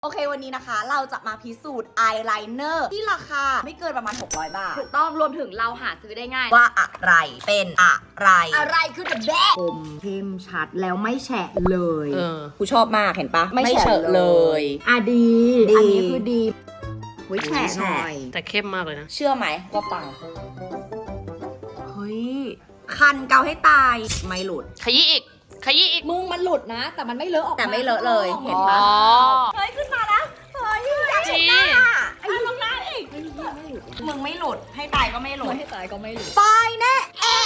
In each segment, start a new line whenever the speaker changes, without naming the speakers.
โอเควันนี้นะคะเราจะมาพิสูจน์อายไลเนอร์ที่ราคาไม่เกินประมาณ600 บาท
ถูกต้องรวมถึงเราหาซื้อได้ง่าย
ว่าอะไรเป็นอะไร
อะไรคือ the best
คมเข้มชัดแล้วไม่แฉะเลย
กูชอบมากเห็นปะ
ไม่เฉอะเลย อ่ะดี
ดี
อันนี้คือดีวิแฉะหน่อย
แต่เข้มมากเลยนะ
เชื่อไหมว่าปังเฮ้ยคันเกาให้ตายไม่หลุด
ขยี้อีก ขยี้อีก
มึงมันหลุดนะ แต่มันไม่เลอะออกมา
แต่ไม่เลอะเลยเห็น
อ๋
ปะ
อ
เฮ้ยขึ้นมาแล้วเฮ้ยอยากเห็นหน้าไอ้ลงหน้าอีกมึงไม่หลุดให้ตายก็ไม่หลุด
ไม่ให้ตายก็ไม่หลุด
ไปแน่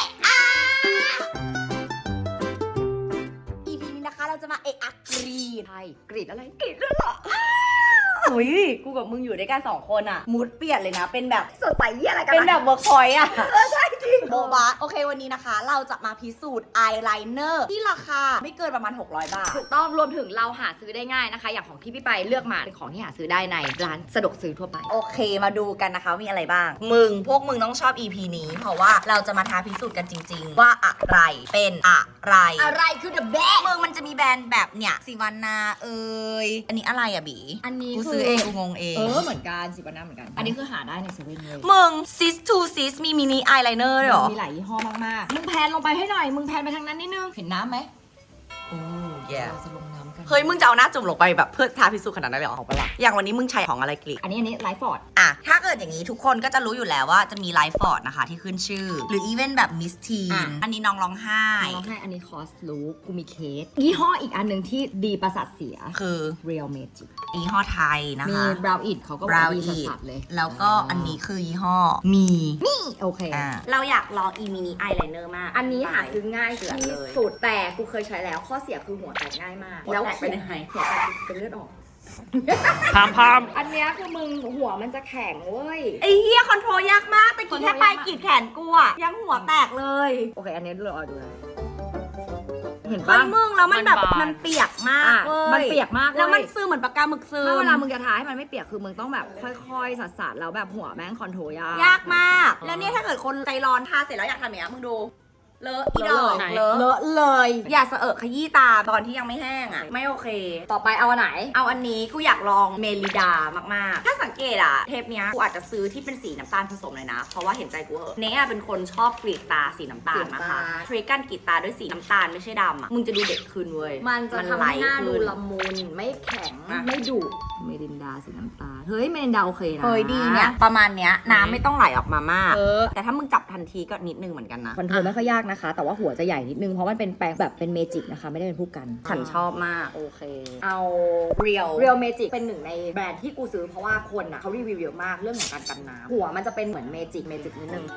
EP นี้นะคะเราจะมากรีด
ใช่กรีดอะไร
กรีดด้วยเหรอหุยกูกับมึงอยู่ด้วยกัน2 คนอะมูดเปลี่ยนเลยนะ เป็นแบบ
สดใสเยี่ยอะไรกัน
เป็นแบบเวิร์คพอยต์อะใช่จริงโบบะโอเควันนี้นะคะ เราจะมาพิสูจน์อายไลเนอร์ที่ราคาไม่เกินประมาณ600 บาท
ถูกต้องรวมถึงเราหาซื้อได้ง่ายนะคะ อย่างของที่พี่ไปเลือกมาเป็นของที่หาซื้อได้ในร้านสะดวกซื้อทั่วไป
โอเคมาดูกันนะคะมีอะไรบ้าง พวกมึงต้องชอบ EP นี้ เพราะว่าเราจะมาท้าพิสูจน์กันจริง ๆ ว่าอะไรเป็นอะไร
อะไรคือ the best
มึงมันจะมีแบรนด์แบบเนี่ยสิวานาอันนี้อะไรอะบี
อันนี้
กู
คื
ซื้อเองกูงงเอง
เหมือนกันสิบวันหน้าเหมือนกัน อันนี้คือหาได้ในเซเว่นเลย
มึงซิสทูซิสมีมินิอายไลเนอร์ด้วยเหรอ
มีหลายยี่ห้อมากๆมึงแพนลงไปให้หน่อยมึงแพนไปทางนั้นนิดนึงเห็นน้ำไหม
โอ้แย่
เราจะลงน้ำกัน
เฮ้ยมึงจะเอาหน้าจุ่มลงไปแบบเพื่อท้าพิสูจน์ขนาดนั้นเลยเหรอของปะล่ะอย่างวันนี้มึงใช้ของอะไรกรีด
อันนี้ไลฟ์ฟอร์ด
อ่ะถ้าเกิดอย่างนี้ทุกคนก็จะรู้อยู่แล้วว่าจะมีไลฟ์ฟอร์ดนะคะที่ขึ้นชื่อ หรืออีเวนต์แบบมิสทีนอันนี้น้องร้องไห้
น้องให้อันนี้คอสลูกกูมีเคสยี่ห้ออีกอันหนึ่งที่ดีประสาทเสีย
คือ
Real Magic
ยี่ห้อไทยนะ
มี
คะ
บราวน์อิดเขาก็บอก
Brown
ดี
It
สัสๆเลย
แล้วก็อันนี้คือยี่ห้อมี
โอเค
เราอยากลองอีมินิอายไลเนอร์มาก
อันนี้หาซื้อง่าย
เสือ
ที่
เลย
สุดแต่กูเคยใช้แล้วข้อเสียคือหัวแตกง่ายมาก
หัวแตกเป็นยังไง
หัวแตกเป็นเลือดออก
พามพาม
อันเนี้ยคือมึงหัวมันจะแข็งเว้ย
ไอ้เหี้ยคอนโทรลยากมากแต่กี้แค่ปลายกรีดแขนกูอะยังหัวแตกเลย
โอเค อันนี้เราเอาดูนะเห็น
เฮ้
ปะ
ยมึงแล้วมันแบบมันเปียกมาก
อ่ะ
เว้ย
มันเปียกมาก
แล้วมัน
เว้ย
ซึมเหมือนปากกาหมึกซึม
ถ้าเวลามึงจะทาให้มันไม่เปียกคือมึงต้องแบบค่อยๆสัดๆแล้วแบบหัวแม่งคอนโทรลยาก
ยากมาก แล้วเนี่ยถ้าเกิดคนใจร้อนทาเสร็จแล้วอยากทำอย่างเงี้ยมึงดู เลอะอีดอก
ไหน
เลอะ
เลย
อย่าสะเอะขยี้ตาตอนที่ยังไม่แห้งอ่ะ ไม่โอเค
ต่อไปเอาอันไหน
เอาอันนี้กูอยากลองเมลิดามากๆ ถ้าสังเกตอะเทปเนี้ยกูอาจจะซื้อที่เป็นสีน้ำตาลผสมเลยนะ เพราะว่าเห็นใจกูเหอะเนยเป็นคนชอบกรีดตาสีน้ำตาลนะคะทริกการกรีดตาด้วยสีน้ำตาลไม่ใช่ดำอะมึงจะดูเด็กขึ้นเว้ย
มันจะทำให้หน้าดู
ขึ้
ละมุนไม่แข็ง
อ่ะ
ไม่ดุเมรินดาสีน้ำตาลเฮ้ยเมรินดาโอเคนะ
เฮ้ยดีเนี่ยประมาณเนี้ยน้ำไม่ต้องไหลออกมามาก
เออ
แต่ถ้ามึงจับทันทีก็นิดนึงเหมือนกันนะ
คอนโทรลไม่ค่อยยากนะคะ แต่ว่าหัวจะใหญ่นิดนึง เพราะมันเป็นแปรงแบบเป็นเมจิกนะคะ ไม่ได้เป็นผู้กัน
ฉันชอบมาก
โอเค
เอา Real
Real Magic เป็นหนึ่งในแบรนด์ที่กูซื้อเพราะว่าคนอ่ะเขารีวิวเยอะมากเรื่องของการกันน้ำหัวมันจะเป็นเหมือนเมจิกนิดนึง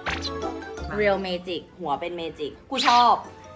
Real Magic หัวเป็นเมจิกกูชอบ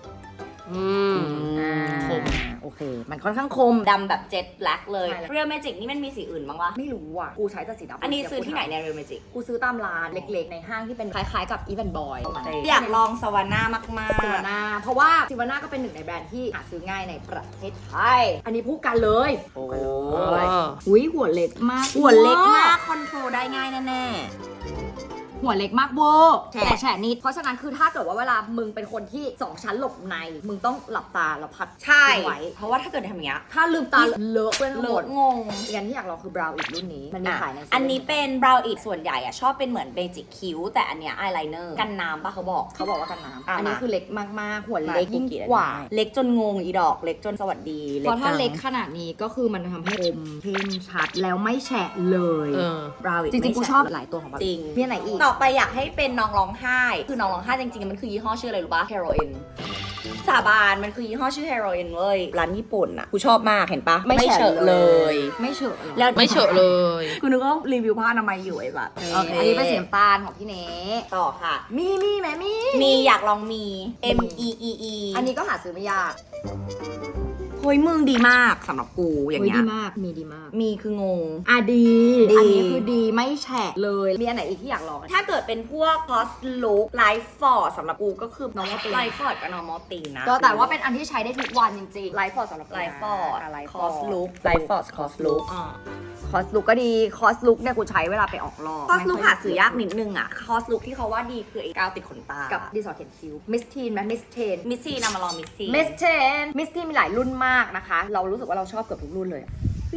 คม
โอเค มันค่อนข้างคม
ดำแบบเจ็ตแบล็กเลย
ใช่แล้ว
Real Magic นี่มันมีสีอื่นบ้างวะ
ไม่รู้อ่ะ กูใช้แต่สีดำ
อันนี้ซื้อที่ไหนใน Real Magic
กูซื้อตามร้านเล็กๆ ในห้างที่เป็นคล้ายๆกับ Even Boy
อยากลองสวาน่ามาก
ซิวาน่าเพราะว่าซิวาน่าก็เป็นหนึ่งในแบรนด์ที่หาซื้อง่ายในประเทศไทย อันนี้พูดกันเลย
ๆ โอ้
อุ้ยหัวเล็กมาก
หัวเล็กมาก คอนโทรลได้ง่ายแน่
หัวเล็กมากเวอร์
แฉะ
แต่แฉะนิด เพราะฉะนั้นคือถ้าเกิดว่าเวลามึงเป็นคนที่ 2 ชั้นหลบใน มึงต้องหลับตาแล้วพัด
ๆ ใช่
ไว้
เพราะว่าถ้าเกิดทำอย่างเงี้ย
ถ้าลืมตาเลอะเปื้อนทั้ง
เล
หม
อะ
ด
งง
อีกอันที่อยากลองคือบราวน์อีกรุ่นนี้ มันมีขายในเซเว่
อันนี้เป็น Brow It ส่วนใหญ่อะชอบเป็นเหมือนเบจิกคิ้วแต่อันเนี้ยอายไลเนอร์กันน้ำปะเขาบอก
เขาบอกว่ากันน้ำ
อ่ะ
อันนี้
มา
คือเล็กมากๆ หัวเล็กยิ่งกว่า
เล็กจนงงอีดอก เล็กจนสวัสดี
เพราะถ้า
จัง
เล็กขนาดนี้ก็คือมันทำให้คม
เข้มชัดแล้วไม่แฉะเลย
Brow It
จริงๆ กูชอบหลายตัวของมัน
จริง
มีอันไหนอีก
ต่อไปอยากให้เป็นน้องร้องไห้ คือน้องร้องไห้จริงๆ มันคือยี่ห้อชื่ออะไรรู้ปะ Heroin สาบานมันคือยี่ห้อชื่อ Heroin เว้ย ร้านญี่ปุ่นอะกูชอบมากเห็นปะ
ไม่เฉอะ
เลย
ไม่เฉอะหรอ
แล้ว
ไม่เฉอะเลย
กูนึกว่ารีวิวผ้าอนามัยอยู่ไอ้แบบ
โอเคอันนี้เป็นสีน้ำตาลของพี่เน
ต่อค่ะ
มีแม่มี
มีอยากลองมี M E E E
อันนี้ก็หาซื้อไม่ยาก
เฮ้ยมึงดีมากสำหรับกูอย่าง
เฮ้ย
เงี้
ดี
ย
มาก มีดีมาก
มีคืองง
อ่ะดี
ดี
อันนี้คือดีไม่แฉะเลย มีอันไหนอีกที่อยากลอง
ถ้าเกิดเป็นพวก Post Look Life Ford สำหรับกูก็คือ
Normal Thin
Life Ford กับ Normal Thin นะ
ก็แต่ว่าเป็นอันที่ใช้ได้ทุกวันจริงๆไลฟ์ฟอร์ดสำหรับ
Life Ford
ไลฟ์ฟอ
Cos
ร์ด
Look Life Ford Cos Look
คอสลุกก็ดี คอสลุกเนี่ยกูใช้เวลาไปออกรอบ
Cos Look หาซื้อยากนิดนึงอ่ะ Cos Look ที่เขาว่าดีคือไอ้กาวติดขนตา
กับดีสอร์เทนคิวมิสทีนไหมมิสเทน
มิสซี่นำมาลองมิสซี่
มิสเทนมีหลายรุ่นมากนะคะ เรารู้สึกว่าเราชอบเกือบทุกรุ่นเลยฟิว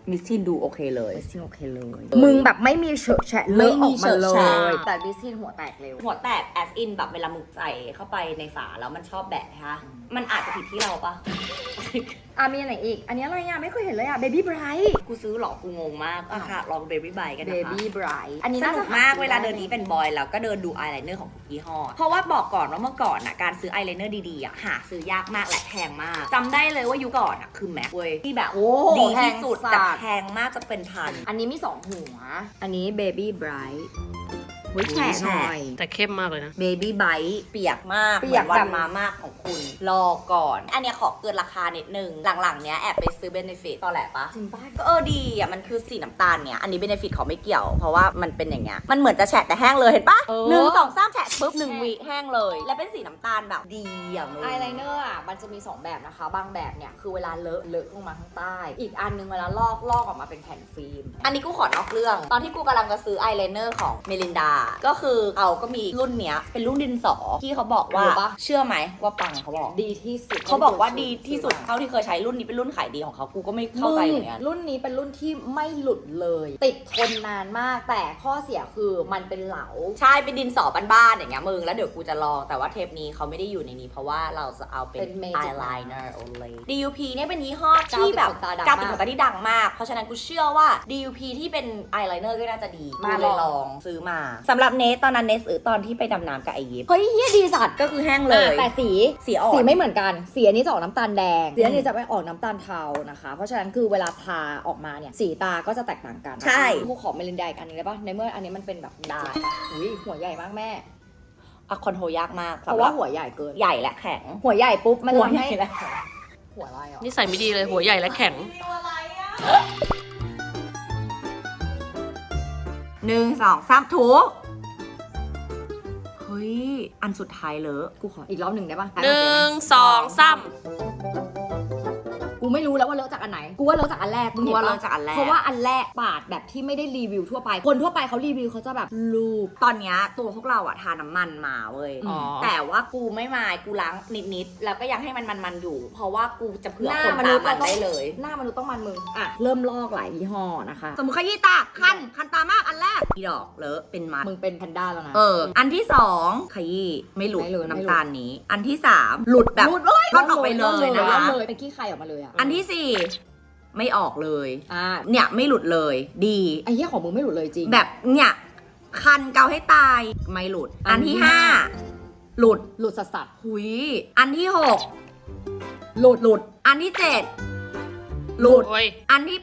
มิสซินดูโอเคเลย
มิสซินโอเคเลย มึงแบบไม่มีเฉอะแฉะเลอะออกมาเล
ไม่มีเฉอะแฉะ
ย
แต่บิสซินหัวแตกเร็ว
หัวแตก as in แบบเวลามึงใส่เข้าไปในฝาแล้วมันชอบแบะฮะมันอาจจะผิดที่เราปะ
มีอันไหนอีก อันนี้อะไรอ่ะไม่เคยเห็นเลยอ่ะ Baby Bright
กูซื้อหรอกูงงมากอะค่ะลอง Baby Bite กันนะคะ
Baby Bright อันนี้
ส
น่า
นุ
จะ
กมากเวลาเดินนี้เป็นบอยแล้วก็เดินดูอายไลเนอร์ของทุกยี่ห้อเพราะว่าบอกก่อนว่าเมื่อก่อนอ่ะการซื้ออายไลเนอร์ดีๆอ่ะหาซื้อยากมากและแพงมากจำได้เลยว่ายุคก่อนอ่ะคือแม็กเว้ยที่แบบ
โอ้
ดีที่สุด
แพงสั
แต่
ตว์
แพงมากจะเป็นพัน
อันนี้มี2หัว
อันนี้ Baby Bright หุยแฉะหน่อย
แต่เข้มมากเลยนะ
Baby Bite เปียกมาก
เปียก
หมือนวัน
แบบ
มามากของคุณ รอก่อน อันเนี้ยขอเกินราคานิดนึง หลังๆเนี้ยแอบไปซื้อ Benefit ตอนแหละปะ
จริงป่ะ
ก็ดีอ่ะ มันคือสีน้ำตาลเนี่ย อันนี้ Benefit เขาไม่เกี่ยว เพราะว่ามันเป็นอย่างเงี้ย มันเหมือนจะแฉะแต่แห้งเลยเห็นปะ
เออ
หนึ่งสองสามแฉะปุ๊บ1 วิแห้งเลย และเป็นสีน้ำตาลแบบดีอ่ะมึง
อายไลเนอร์อ่ะมันจะมี2แบบนะคะ บางแบบเนี่ยคือเวลาเลอะลงมาข้างใต้ อีกอันนึงเวลาลอกออกมาเป็นแผ่นฟิล์ม
อันนี้กูขอนอกเรื่อง ตอนที่กูกำลังจะซื้ออายไลเนอร์ของเมลินดา ก็คือเอาก็มีรุ่นเนี้ยเป็นรุ่นดินสอที่เขาบอกว่า
รู้ปะ
เชื่อไหมว่าปังเขาบอก
ดีที่สุด
เขาบอกว่าดีที่สุดเท่าที่เคยใช้รุ่นนี้เป็นรุ่นขายดีของเขากูก็ไม่เข้าใจเหมือนกัน
รุ่นนี้เป็นรุ่นที่ไม่หลุดเลย ติดทนนานมากแต่ข้อเสียคือมันเป็นเหลา
ใช่เป็นดินสอบ้านๆอย่างเงี้ยมึงแล้วเดี๋ยวกูจะลองแต่ว่าเทปนี้เขาไม่ได้อยู่ในนี้เพราะว่าเราจะเอาเป็น
เป็น Magic
eyeliner only DUP เนี่ยเป็นยี่ห้อที่แบบ
กาวติดขนตาดังมาก
กาวติดขนตาที่ดังมาก เพราะฉะนั้นกูเชื่อว่า DUP ที่เป็น eyeliner ก็น่าจะดีกู
มา
เลย
ล
ล
อง
องซื้อมาสำหรับเนสตอนนั้นเนสซื้อตอนที่ไปดำน้ำกับไอยิป
เฮ้ยเฮียดีสัตว์
ก็คือแห้งเลย
แต่สี
สีอ่อน
สีไม่เหมือนกัน สีอันนี้จะออกน้ำตาลแดง สีอันนี้จะไปออกน้ำตาลเทานะคะ เพราะฉะนั้นคือเวลาทาออกมาเนี่ยสีตาก็จะแตกต่างกัน
ใช่
กูขอเมลินดาอีกอันนึงได้ปะในเมื่ออันนี้มันเป็นแบบ
ได้
อุ้ยหัวใหญ่มากแม่
อะคอนโทรลยากมาก
เพราะว่าหัวใหญ่เกิน
ใหญ่และแข็ง
หัวใหญ่ปุ๊บมัน
หัว
ทำ
ใหญ่
ให้
และแข็ง
หัวอะไรอ่ะ
นี่ใส่ไม่ดีเลยหัวใหญ่และแข็ง
1 2 3ถูเฮ้ยอันสุดท้ายเลอะ
กูขออีกรอบหนึ่งได้ปะ
1 2 3
กูไม่รู้แล้วว่าเลอะจากอันไหน กูว่าเลอะจากอันแรกมึง
กู
เห็น
ว่า
ปะ
เลอะจากอันแรก
เพราะว่าอันแรกปาดแบบที่ไม่ได้รีวิวทั่วไป คนทั่วไปเขารีวิวเขาจะแบบรูป
ตอนเนี้ยตัวพวกเราอะทาน้ำมันมาเว้ย
อ๋อ
แต่ว่ากูไม่มายกูล้างนิดๆแล้วก็ยังให้มันอยู่ เพราะว่ากูจะเผื่อ
หน้า
คน
ม
ตา
นุษย์
มัน
เราต้อง
ได้เลย
หน้ามนุษย์ต้องมันมึงอ่ะเริ่มลอกหลายยี่ห้อนะคะ
สมมติขยี้ตาคันตามากอันแรกอีดอกเลอะเป็นมัด
มึงเป็นแพนด้าแล้วนะ
อันที่2ขยี้ไม่หลุด
ไม่หลุด
น้ำตาลนี้ อันที่3หลุดแบบ
รูดเลย
ร่อนออกไปเลยนะคะ
เลยเป็นขี้ไข่ออกมาเลยอ่ะ
อันที่4ไม่ออกเลย
อ่า
เนี่ยไม่หลุดเลยดี
ไอ้เหี้ยของมึงไม่หลุดเลยจริง
แบบเนี่ยคันเกาให้ตายไม่หลุด
อั
อั
น
น
ที่
ที่
ห้า
5หลุด
หลุดสัสสัส
หุยอันที่6
หลุด
หลุด อันที่7หลุด
โอ้ย
อันที่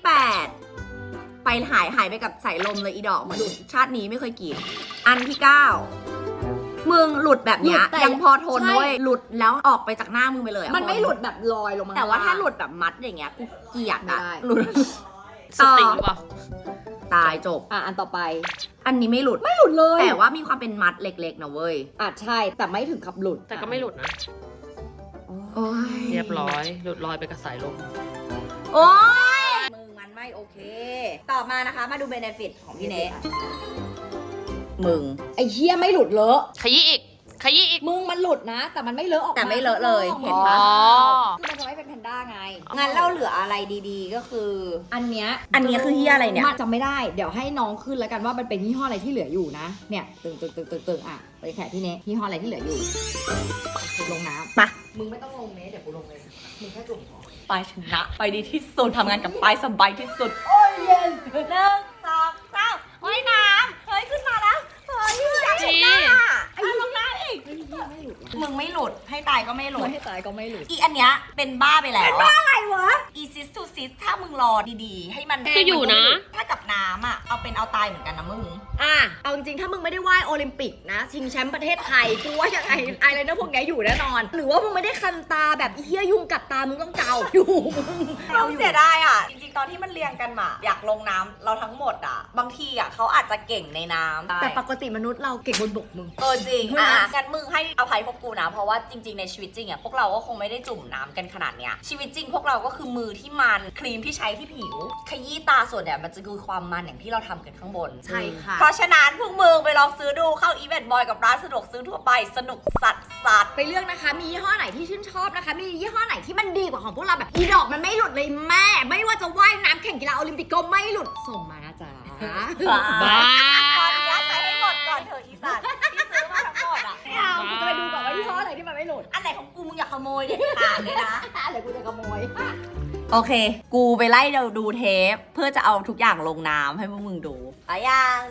8ไปหายไปกับสายลมเลยอีดอกเหมือนชาตินี้ไม่เคยกิน อันที่9มึงหลุดแบบเนี้ยยังพอทนด้วยหลุดแล้วออกไปจากหน้ามึงไปเลยอะ
มันไม่หลุดแบบลอยลงมา
แต่ว่าถ้าหลุดแบบมัดอย่างเงี้ยกูเกลียด
ไม่
อะ
ได้
หลุด
สติหรือเปล่า
ตายจบ
อ่ะอันต่อไป
อันนี้ไม่หลุด
ไม่หลุดเลย
แต่ว่ามีความเป็นมัดเล็กๆนะเว้ย
อ่ะใช่แต่ไม่ถึงกับหลุด
แต่ก็ไม่หลุดนะ
โอ้ย
เรียบร้อย หลุดลอยไปกับสายลม
โอ้ยมึงมันไม่โอเค ต่อมานะคะมาดูเบเนฟิตของพี่เนทมึง
ไอ้เหี้ยไม่หลุดเลอะ
ขยี้อีก ขยี้อีก
มึงมันหลุดนะ แต่มันไม่เลอะออกมา
แต่ไม่เลอะเลยเห็น
อ๋
ปะ
อ
คือมันจะไม่เป็นแพนด้าไง
งั้นเราเหลืออะไรดีๆก็คือ
อันเนี้ย
อันเนี้ยคือเหี้ยอะไรเนี่ย
มันจำไม่ได้ เดี๋ยวให้น้องขึ้นแล้วกันว่ามันเป็นยี่ห้ออะไรที่เหลืออยู่นะ เนี่ยตึงอ่ะไปแขกพี่เนยี่ห้ออะไรที่เหลืออยู่ลงน้ำ
ไป
มึงไม่ต้องลงเนเดี๋ยวกูลงเลยมึงแค่จุ่มพอ
ไปชนะไปดีที่สุดทำงานกับไปสบายที่สุด
โอ้ยเย็น
1 2 3ว่ายน้ำเฮ้ยขึ้นมาแล้วเฮ้ยอยากเห็นหน้าไอ้ลงน้ำอีก
ไอ้เหี้ยไม่หลุดว่ะ
มึงไม่หลุดให้ตายก็ไม่หลุ
ไม่
ด
ให้ตายก็ไม่หลุด
อีอันเนี้ยเป็นบ้าไปแล้วอะ
อะไรวะ
อีซิสทูซิสถ้ามึงรอดีๆ ให้มัน
ก็อยู่นะ
ถ้ากับน้ำอ่ะ เอาเป็นเอาตายเหมือนกันนะมึง
อ่ะเอาจริงๆถ้ามึงไม่ได้ว่ายโอลิมปิกนะชิงแชมป์ประเทศไทยกูว่ายังไงไอไลเนอร์พวกนี้อยู่แน่นอน หรือว่ามึงไม่ได้คันตาแบบอีเหี้ยยุงกัดตามึงต้องเกาอยู่มึง
เราเสียดายอ่ะ จริงๆ ตอนที่มันเรียงกันมาอยากลงน้ำเราทั้งหมดอ่ะ บางทีอ่ะเขาอาจจะเก่งในน้ำ
แต่ปกติมนุษย์เราเก่งบนบกมึง
จริง
ใช่ไหม
งั้นมึงให้อภัยพวกกูนะ เพราะว่าจริงๆ ในชีวิตจริงอ่ะพวกเราก็คงไม่ได้จุ่มน้ำกันขนาดเนี้ยชีวิตจริงพวกเราก็คือมือที่มันครีมที่ใช้ที่ผิว ขยี้ตาส่วนเนี่ยมันจะคือความมันอย่างที่เราทำกันข้างบน
ใช่ค่ะ
เพราะฉะนั้นพวกมึงไปลองซื้อดูเข้าอีเวนต์บอยกับร้านสะดวกซื้อทั่วไปสนุกสัด
ไปเลือกนะคะ มียี่ห้อไหนที่ชื่นชอบนะคะ มียี่ห้อไหนที่มันดีกว่าของพวกเราแบบอีดอกมันไม่หลุดเลยแม่ ไม่ว่าจะว่ายน้ำแข่งกีฬาโอลิมปิกก็ไม่หลุด ส่งมานะจ๊ะ
บ้า
ขออนุญาตใช้ให้หมดก่อนเถอะอีสัตว์ที่ซื้อมาทั้งหมดอ่ะ
ไม่เอากูจะไปดูก่อนว่ายี่ห้อไหนที่มันไม่หลุด
อันไหนของกูมึงอย่าขโมยเด็ดขาดเลยนะ
เดี๋ยวกูจะขโมย
โอเค กูไปไล่ดูเทปเพื่อจะเอาทุกอย่างลงน้ำให้พวกมึงดูไปอย่าง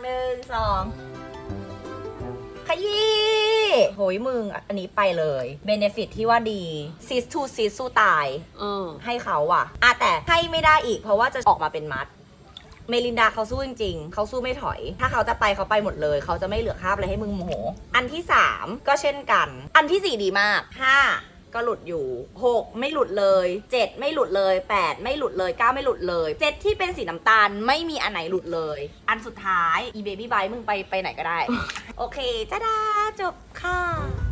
1 2 ขยี้โหยมึง อันนี้ไปเลยเบเนฟิตที่ว่าดีซิสทูซิสสู้ตาย ให้เขาอ่ะแต่ให้ไม่ได้อีกเพราะว่าจะออกมาเป็นมัด เมลินดาเขาสู้จริงๆ เขาสู้ไม่ถอย ถ้าเขาจะไปเขาไปหมดเลย เขาจะไม่เหลือคราบอะไรให้มึงโมโห อันที่ 3 ก็เช่นกัน อันที่ 4 ดีมาก 5 ก็หลุดอยู่ 6 ไม่หลุดเลย 7 ไม่หลุดเลย 8 ไม่หลุดเลย 9 ไม่หลุดเลย 7 ที่เป็นสีน้ำตาลไม่มีอันไหนหลุดเลย อันสุดท้ายอีเบบี้ไบมึงไปไหนก็ได้ โอเคจ้าดาจบค่ะ